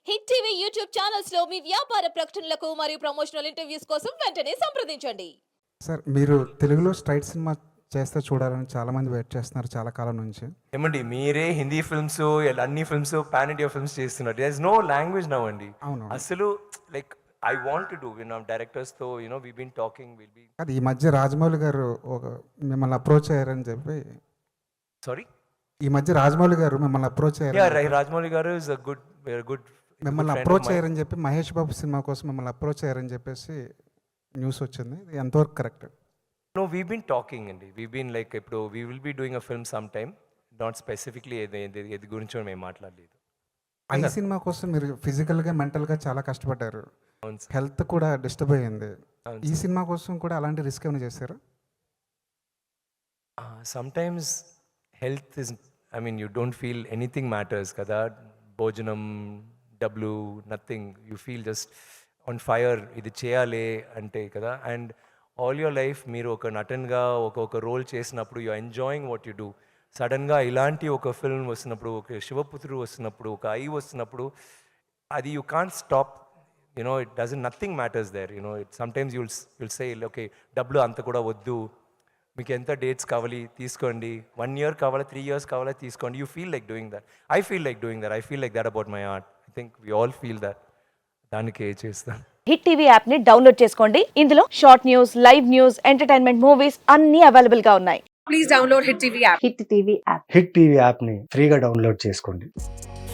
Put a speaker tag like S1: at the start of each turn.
S1: Hit TV YouTube channels లో మీ వ్యాపార ప్రకటనలకు మరియు ప్రమోషనల్ ఇంటర్వ్యూస్ కోసం వెంటనే సంప్రదించండి.
S2: సార్ మీరు తెలుగులో స్ట్రైట్ సినిమా చేస్తే చూడాలని చాలామంది వెయిట్ చేస్తున్నారు చాలా కాలం నుంచి.
S3: ఏమండి మీరే హిందీ ఫిల్మ్స్ అన్ని ఫిల్మ్స్ పాన్ ఇండియా ఫిల్మ్స్ చేస్తున్నారు. There is no language now అండి.
S2: అవును.
S3: అసలు like I want to do directors తో we been talking will be.
S2: అది ఈ మధ్య రాజమౌళి గారు మిమ్మల్ని అప్రోచ్ అయ్యారని చెప్పి.
S3: సారీ,
S2: ఈ మధ్య రాజమౌళి గారు మిమ్మల్ని అప్రోచ్
S3: యా
S2: అయ్యారు.
S3: రాజమౌళి గారు ఇస్ అ గుడ్
S2: మిమ్మల్ని అప్రోచ్ అయ్యారని చెప్పి మహేష్ బాబు సినిమా కోసం మిమ్మల్ని అప్రోచ్ అయ్యారని చెప్పేసి న్యూస్ వచ్చింది. ఇది ఎంతవరకు correct?
S3: No, we been talking అండి. వీ బీన్ లైక్ ఇప్పుడు we will be doing a film some time. Not స్పెసిఫిక్లీ ఇది గురించి మేము మాట్లాడలేదు.
S2: ఈ సినిమా కోసం మీరు ఫిజికల్గా మెంటల్గా చాలా కష్టపడ్డారు.
S3: అవును సార్.
S2: హెల్త్ కూడా డిస్టర్బ్ అయ్యింది.
S3: అవును
S2: ఈ సినిమా కోసం కూడా అలాంటి రిస్క్ ఏమైనా చేశారు?
S3: Sometimes health is you don't feel anything matters కదా. భోజనం, డబ్బులు, nothing. You feel just on fire. ఇది చేయాలి అంటే కదా. అండ్ ఆల్ యువర్ లైఫ్ మీరు ఒక నటన్గా ఒక రోల్ చేసినప్పుడు you enjoying what you do. సడన్గా ఇలాంటి ఒక ఫిల్మ్ వస్తున్నప్పుడు, ఒక శివపుత్రుడు వస్తున్నప్పుడు, ఒక ఐ వస్తున్నప్పుడు, అది you can't stop. It doesn't nothing matters there. Sometimes you'll say okay డబ్బులు అంత కూడా వద్దు, మీకు ఎంత డేట్స్ కావాలి తీసుకోండి, 1 year కావాలా 3 years కావాలా తీసుకోండి. You feel like doing that. I feel like doing that. I feel like that about my art. I think we all feel that. దానికే చేస్తాను.
S4: హిట్ టీవీ యాప్ ని డౌన్లోడ్ చేసుకోండి. ఇందులో short news, live news, entertainment movies అన్ని available గా ఉన్నాయి.
S5: Please download Hit TV app.
S4: Hit TV app.
S6: Hit TV యాప్ని ఫ్రీగా డౌన్లోడ్ చేసుకోండి.